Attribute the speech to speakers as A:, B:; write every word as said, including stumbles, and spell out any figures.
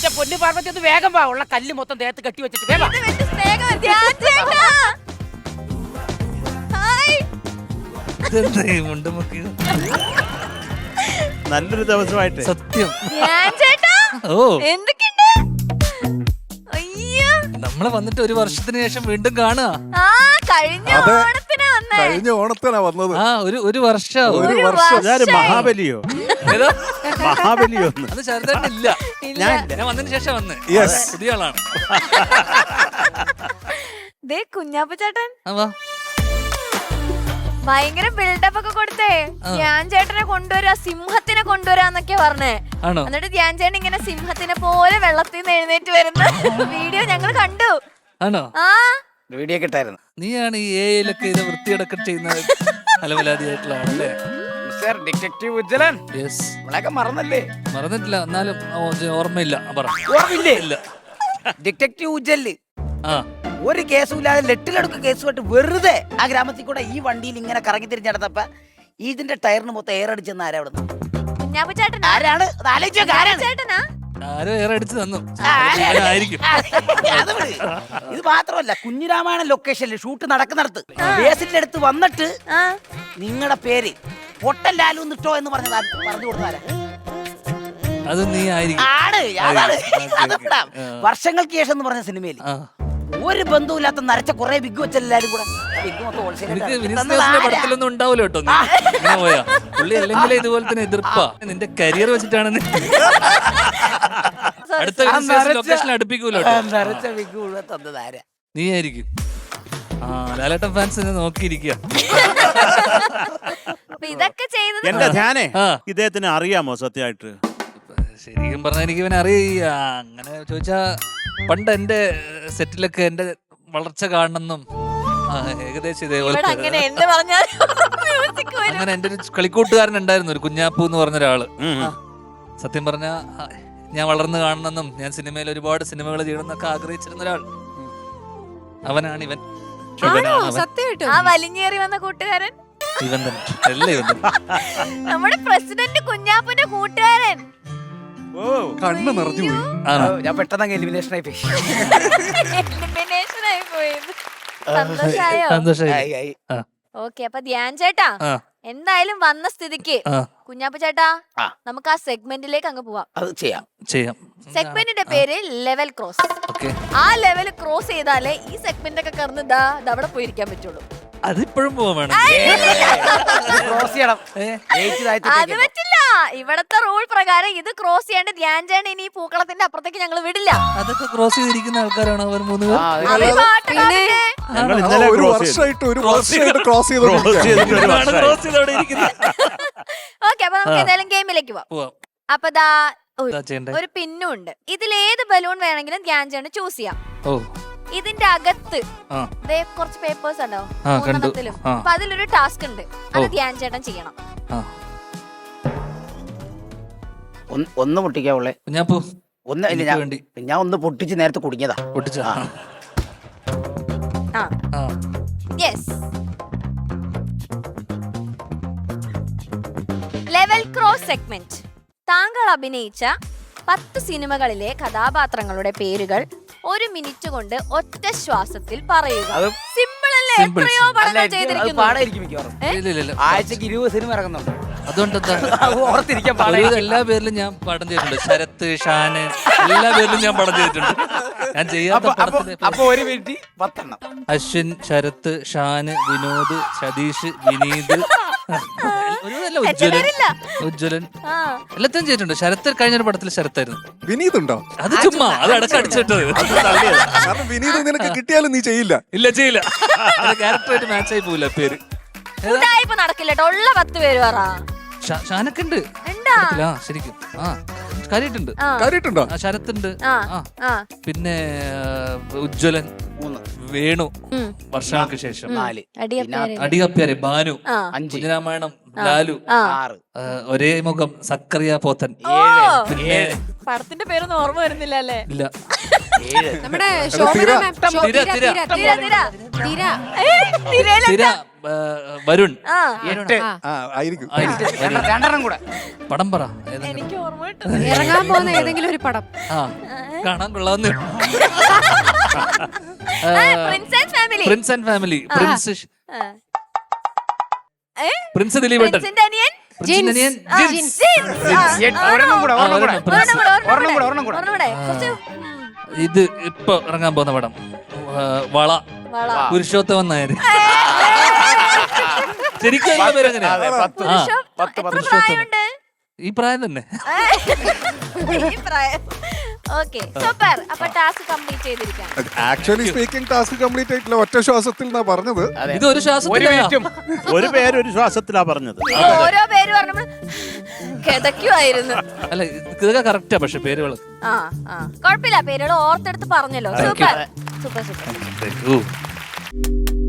A: എന്റെ പൊന്നു പാർവതി ഒന്ന് വേഗം വാ. ഉള്ള കല്ല് മൊത്തം ദേഹത്ത് കെട്ടി വെച്ചിട്ട് വേഗം.
B: നല്ലൊരു ദിവസമായിട്ട്
C: സത്യം.
D: ഓ
C: എന്തൊക്കെയുണ്ട്? അയ്യോ,
D: നമ്മളെ വന്നിട്ട് ഒരു വർഷത്തിന് ശേഷം വീണ്ടും കാണുക.
C: ആ കഴിഞ്ഞ ഓണത്തിനാ വന്നേ.
E: കഴിഞ്ഞ ഓണത്തിനാ വന്നത്.
D: ആ ഒരു ഒരു വർഷം
E: ഒരു വർഷം.
B: ഞാന് മഹാബലിയോ
D: ഏതോ
B: മഹാബലിയോ
D: അത് ചെറുതായിട്ടില്ല.
C: ഞാൻ
D: ഞാൻ വന്നതിന് ശേഷം വന്ന് പുതിയ ആളാണ്.
C: ദേ കുഞ്ഞാപ്പ ചേട്ടൻ
D: ആ വാ.
C: ഭയങ്കര ബിൽഡപ്പ് ഒക്കെ കൊടുത്തേ. ധ്യാൻ ചേട്ടനെ കൊണ്ടുവരാ, സിംഹത്തിനെ കൊണ്ടുവരാന്നൊക്കെ പറഞ്ഞേ.
D: ആണോ?
C: എന്നിട്ട് ധ്യാൻ ചേട്ടൻ ഇങ്ങനെ സിംഹത്തിനെ പോലെ വെള്ളത്തിൽ നിന്ന് എഴുന്നേറ്റ് വരുന്ന വീഡിയോ ഞങ്ങൾ കണ്ടു.
D: ആണോ?
C: ആ
A: വീഡിയോ കിട്ടായിരുന്നു.
D: നീയാണ് ഈ എ ഐയിലൊക്കെ ഇത് വൃത്തിയടക്കം ചെയ്യുന്ന അലവലാതിയായിട്ടുള്ള ആളല്ലേ?
A: Mister detective Ujjwalan,
D: yes.
A: നമ്മളൊക്കെ മറന്നല്ലേ?
D: മറന്നിട്ടില്ല, എന്നാലും ഓ- ഓർമ്മയില്ല. പറ.
A: ഓർമ്മയില്ലേ?
D: ഇല്ല.
A: ഡിറ്റക്റ്റീവ് ഉജ്ജല്
D: ആ
A: ഒരു കേസും ഇല്ലാതെ ലെട്ടിലെടുക്ക് കേസുമായിട്ട് വെറുതെ ആ ഗ്രാമത്തിൽ കൂടെ ഈ വണ്ടിയിൽ ഇങ്ങനെ കറങ്ങി തിരിഞ്ഞ് നടന്നപ്പോ ഇതിന്റെ ടയറിന് മൊത്തം എയർ അടിച്ചെന്ന് ആരാ അവിടെ?
C: കുഞ്ഞാപ്പ ചേട്ടനാ?
A: ആരാണ്? അത് ആലോചിച്ച് നോക്ക്, ആരാണ്?
C: ചേട്ടനാ?
D: ആരോ ഏറെ അടിച്ചു തന്നു.
A: ആരാ?
D: ആയിരിക്കും.
A: അത് വിട്. ഇത് മാത്രമല്ല, കുഞ്ഞിരാമായണ ലൊക്കേഷനിൽ ഷൂട്ട് നടക്കുന്നിടത്ത് ബേസിന്റെ അടുത്ത് വന്നിട്ട്
C: ആ
A: നിങ്ങളുടെ പേര് പൊട്ടൻ ലാലു നിട്ടോ എന്ന് പറഞ്ഞത് ആര് പറഞ്ഞു കൊടുത്താരാ?
D: അത് നീ ആയിരിക്കും.
A: ആണ്, അതാണ്.
D: ഓക്കേ,
A: അത്
D: ഓക്കേ.
A: വിടാം.
D: ആ.
A: വർഷങ്ങൾക്ക് ശേഷം എന്ന് പറഞ്ഞ സിനിമയിൽ
D: ആ.
A: ഒരു ബന്ധവുമില്ലാത്ത നരച്ച കുറെ ബിഗ് വെച്ചെല്ലാരും കൂടെ ബിഗ് മൊത്തം
D: എനിക്ക്
A: wholesale
D: വിനീത് ദാസിന്റെ പടത്തിലൊന്നും ഉണ്ടാവില്ല കേട്ടോ. നീ ഇങ്ങനെ പോയാ പുള്ളി അല്ലെങ്കിൽ ഇതുപോലെ തന്നെ എതിർപ്പാ. നിന്റെ കരിയർ വെച്ചിട്ടാണ് നീ അടുത്ത ലൊക്കേഷനിൽ അടുപ്പിക്കൂല്ലോ കേട്ടോ.
A: നരച്ച ബിഗ് മുഴുവൻ തന്നത് ആരാ?
D: നീ ആയിരിക്കും. ആ ലാലേട്ടൻ ഫാൻസ് നോക്കിയിരിക്കുക.
C: അപ്പൊ ഇതൊക്കെ ചെയ്തത്
B: എന്റെ ധ്യാനേ
D: ആ.
B: ഇദ്ദേഹത്തിന് അറിയാമോ സത്യമായിട്ട്?
D: ശരിക്കും പറഞ്ഞാൽ എനിക്ക് ഇവനെ അറിയ അങ്ങനെ ചോദിച്ചാ പണ്ട് എന്റെ സെറ്റിലൊക്കെ എന്റെ വളർച്ച കാണണമെന്നും ആ, ഏകദേശം
C: ഇവിടെ
D: ഇതേപോലെ
C: അങ്ങനെ എന്ത് പറഞ്ഞാലും മ്യൂസിക് വരും.
D: അങ്ങനെ എന്റെ ഒരു കളിക്കൂട്ടുകാരൻ ഉണ്ടായിരുന്നു, ഒരു കുഞ്ഞാപ്പു എന്ന് പറഞ്ഞ ഒരാള്.
B: ഉം, ഉം.
D: സത്യം പറഞ്ഞ ഞാൻ വളർന്നു കാണണമെന്നും ഞാൻ സിനിമയിൽ ഒരുപാട് സിനിമകൾ ചെയ്യണമെന്നൊക്കെ ആഗ്രഹിച്ചിരുന്ന ഒരാൾ. അവനാണ് ഇവൻ. ഇവനാണ് അവൻ.
C: ആ വലിഞ്ഞേറി വന്ന കൂട്ടുകാരൻ
D: ഇവൻ തന്നെ. എല്ലാം ഇവൻ തന്നെ.
C: നമ്മുടെ പ്രസിഡന്റ് കുഞ്ഞാപ്പന്റെ കൂട്ടുകാരൻ.
B: ഓ
E: കണ്ണ് നിറഞ്ഞു പോയി.
D: ആണോ?
A: ഞാൻ പെട്ടെന്ന് എലിമിനേഷൻ ആയി പോയി.
C: Elimination ആയി പോയത്. സന്തോഷായോ?
D: സന്തോഷായി.
A: ആയി, ആയി.
D: ആ,
C: ഓക്കെ, അപ്പൊ ധ്യാൻ ചേട്ടാ
D: ആ,
C: എന്തായാലും വന്ന സ്ഥിതിക്ക്
D: ആ.
C: കുഞ്ഞാപ്പ ചേട്ടാ
A: ആ.
C: നമുക്ക് ആ സെഗ്മെന്റിലേക്ക് അങ്ങ് പോവാം.
A: അത് ചെയ്യാം.
D: ചെയ്യാം.
C: സെഗ്മെന്റിന്റെ പേര് ലെവൽ ക്രോസ്.
D: ഓക്കെ.
C: ആ ലെവൽ ക്രോസ് ചെയ്താലേ ഈ സെഗ്മെന്റ് ഒക്കെ കറന്ന് ദാ അവിടെ പോയിരിക്കാൻ പറ്റുള്ളൂ.
D: അതിപ്പോഴും പോവാൻ വേണം.
A: ക്രോസ് ചെയ്യണം.
D: ഏ?
A: ജയിച്ച് താഴ്ത്തി
C: അത്
A: ഇട്ടേക്ക്.
C: പറ്റില്ല. ഇവിടത്തെ റൂൾ പ്രകാരം ഇത് ക്രോസ് ചെയ്യാണ്ട് ധ്യാൻ ചേട്ടൻ ഇനി ഈ പൂക്കളത്തിന്റെ അപ്പുറത്തേക്ക് ഞങ്ങൾ വിടില്ല.
D: അതൊക്കെ ക്രോസ് ചെയ്തിരിക്കുന്ന ആൾക്കാരാണോ അവർ മൂന്ന് പേർ?
A: ആ, അത്
C: അവര്
A: കളി-
C: പാട്ടുകാരല്ലേ?
B: ഞങ്ങൾ
E: ആ,
B: ഇന്നലെ
E: ഒരു
B: ക്രോസ് ചെയ്തു.
E: വർഷമായിട്ട് ഒരു വർഷമായിട്ട് ക്രോസ്
B: ക്രോസ്
E: ചെയ്തോണ്ടിരിക്കുകയാണ്.
B: ചെയ്തിട്ട് ഒരു
D: ഇതാണ്
B: വർഷമായി.
D: ക്രോസ് ചെയ്ത് അവിടെ ഇരിക്കുന്നത്.
C: ഓക്കെ, അപ്പൊ നമുക്ക് എന്തായാലും ഗെയിമിലേക്ക് പോവാം.
D: പോവാം.
C: അപ്പൊ ദാ ഒരു-
D: എന്താ ചെയ്യണ്ടേ?
C: ഒരു പിന്നും ഉണ്ട്. ഇതിലേത് ബലൂൺ വേണമെങ്കിലും ധ്യാൻ ചേട്ടൻ ചൂസ് ചെയ്യാം.
D: ഓ
C: ഇതിന്റെ അകത്ത്
D: ആ
C: ദേ കുറച്ച് പേപ്പേഴ്സ് ഉണ്ടാവും
D: ആ, കണ്ടു.
C: മൂന്നെണ്ണത്തിലും.
D: ആ.
C: അപ്പൊ അതിലൊരു ടാസ്ക് ഉണ്ട്, അത്
D: ഓ.
C: ധ്യാൻ ചേട്ടൻ ചെയ്യണം.
D: ആ.
A: ഒന്ന് ഒന്ന് പൊട്ടിക്കാവുള്ളേ.
D: കുഞ്ഞാപ്പൂ
A: ഒന്ന് ഇല്ല,
D: എനിക്ക്
A: ഞാൻ
D: വേണ്ടി.
A: ഞാൻ ഒന്ന് പൊട്ടിച്ച് നേരത്തെ കുടുങ്ങിയതാ.
D: പൊട്ടിച്ച.
A: ആ.
C: ആ
D: ആ.
C: യെസ്. Level cross segment. താങ്കൾ അഭിനയിച്ച പത്ത് സിനിമകളിലെ കഥാപാത്രങ്ങളുടെ പേരുകൾ ഒരു മിനിറ്റ് കൊണ്ട് ഒറ്റ ശ്വാസത്തിൽ പറയുക.
A: അത്
C: സിമ്പിൾ അല്ലേ?
D: Simple,
C: എത്രയോ
D: simple.
C: പടങ്ങൾ
A: അല്ല, എനിക്ക് അത്
C: ചെയ്തിരിക്കുന്നു.
A: പാടായിരിക്കും മിക്കവാറും.
D: ഇല്ല, ഇല്ല, ഇല്ല.
A: ആഴ്ചക്ക് ഇരുപത് സിനിമ ഇറങ്ങുന്നുണ്ട്.
D: അതുകൊണ്ട് എന്താ?
A: അത് ഓർത്തിരിക്കാൻ
D: ഒരു
A: പാടായിരിക്കും.
D: എല്ലാ പേരിലും ഞാൻ പടം ചെയ്തിട്ടുണ്ട്. ശരത്ത്, ഷാന്, എല്ലാ പേരിലും ഞാൻ പടം ചെയ്തിട്ടുണ്ട്. ഞാൻ ചെയ്യാത്ത
A: അപ്പൊ അപ്പൊ
D: പടത്തിന്
A: അപ്പൊ ഒരു മിനിറ്റ് പത്തെണ്ണം.
D: അശ്വിൻ, ശരത്ത്, ഷാന്, വിനോദ്, സതീഷ്, വിനീത്, ഒരുതല്ല ഉജ്ജ്വലൻ,
C: ചിലരില്ല.
D: ഉജ്ജ്വലൻ
C: ആ
D: എല്ലാത്തിനും ചെയ്തിട്ടുണ്ട്. ശരത്ത് കഴിഞ്ഞൊരു പടത്തിൽ ശരത്തായിരുന്നു.
E: വിനീത് ഉണ്ടോ?
D: അത് ചുമ്മാ അത് അടക്കം അടിച്ചിട്ടത്.
E: കാരണം വിനീത് നിനക്ക് കിട്ടിയാലും നീ ചെയ്യില്ല.
D: ഇല്ല, ചെയ്യില്ല. ക്യാരക്ടറായിട്ട് മാച്ച് ആയി പോവില്ല പേര്.
C: ഉടായിപ്പ് നടക്കില്ല കേട്ടോ. ഉള്ള പത്ത് പേര് പറ.
D: ഷാ- ഷാനൊക്കെ ഉണ്ട്
C: ഉണ്ടാ?
D: പടത്തില്. ആ ശരിക്കും ആ കാര്യമായിട്ടുണ്ട്.
C: ആ
E: കാര്യട്ടുണ്ടോ?
D: ആ ശരത്തുണ്ട്.
C: ആ
D: ആ
C: ആ
D: പിന്നെ ആ, ഉജ്ജ്വലൻ,
A: മൂന്ന്,
D: വേണു,
C: ഉം.
D: വർഷങ്ങൾക്ക് ശേഷം
A: നാല്,
C: അടിയപ്പേര്.
D: അടികപ്പ്യാരെ, ബാനു,
C: ആ
A: അഞ്ച്,
D: കുഞ്ഞിരാമായണം, ലാലു,
C: ആ
A: ആറ്,
D: ആ, ഒരേ മുഖം, സക്കറിയ പോത്തൻ,
C: ഓ,
D: പിന്നെ
C: പടത്തിന്റെ പേരൊന്നും ഓർമ്മ വരുന്നില്ല അല്ലേ?
D: ഇല്ല
A: ഏഴ്,
F: നമ്മുടെ
E: തിര.
F: ശോഭന മാം. ശോ-
D: തിര,
F: തിര,
D: തിര.
F: തിര,
C: തിര,
F: തിര.
C: തിര.
F: തിര.
C: ഏയ്, തിരയില-
D: തിര, ആ, വരുൺ,
C: ആ
A: എട്ട്,
F: ആ.
E: ആ ആയിരിക്കും.
D: ആയിരിക്കും, വരുൺ.
A: രണ്ടെണ്ണം കൂടെ.
D: പടം പറ ഏതെങ്കിലും.
C: എനിക്ക് ഓർമ്മ കിട്ടുന്നു.
F: ഇറങ്ങാൻ പോകുന്ന ഏതെങ്കിലും ഒരു പടം.
D: ആ കാണാൻ കൊള്ളാവുന്ന
C: prince and family.
D: Prince and family. Prince prince ദിലീപേട്ടൻ.
C: പ്രിൻസിന്റെ അനിയൻ
D: പ്രിൻസിന്റെ അനിയൻ
C: ആ,
D: ജിൻസ്.
C: ജിൻസ്. ആ,
F: ഒരെണ്ണം കൂടെ
D: ആ,
F: ഒരെണ്ണം കൂടെ
D: ഒരെണ്ണം, പ്രിൻസ്.
C: ഒരെണ്ണം കൂടെ, ഒരെണ്ണം
F: ഒരെണ്ണം കൂടെ,
C: കൂടെ,
F: ഒരെണ്ണം കൂടെ.
C: ഒരെണ്ണം കൂടെ. കുറച്ച്, ഉം,
D: ഇത് ഇപ്പൊ ഇറങ്ങാൻ പോകുന്ന പടം ആ, വള.
C: വള.
D: പുരുഷോത്തമൻ നായർ. ശരിക്കും അതിന്റെ പേര് എങ്ങനെയാ?
F: അതെ, പത്ത്
D: ആ,
C: പുരുഷോ-
F: പത്ത്
C: എത്ര
F: പത്ത്
C: പ്രായമുണ്ട്?
D: ഈ പ്രായം തന്നെ.
C: ഈ പ്രായം. Okay, super. അപ്പൊ ടാസ്ക് കംപ്ലീറ്റ് ചെയ്തിരിക്കാം.
E: ആക്ച്വലി സ്പീക്കിംഗ് ടാസ്ക് കംപ്ലീറ്റ് ആയിട്ടില്ല, ഒറ്റ ശ്വാസത്തിൽ എന്നാ പറഞ്ഞത്.
F: അതെ.
D: ഇത് ഒരു
F: ഒരു
D: ശ്വാസത്തില.
F: മിനിറ്റും
B: ഒരു പേര് ഒരു ശ്വാസത്തിലാ പറഞ്ഞത്.
C: നിങ്ങൾ ഓരോ പേര് പറഞ്ഞപ്പോൾ കിതയ്ക്കുമായിരുന്നു.
D: അല്ല ഇതൊക്കെ കറക്റ്റാ, പക്ഷെ പേരുകൾ
C: ആ ആ കുഴപ്പമില്ല, പേരുകൾ ഓർത്തെടുത്ത് പറഞ്ഞല്ലോ. Super super super.
D: Thank U.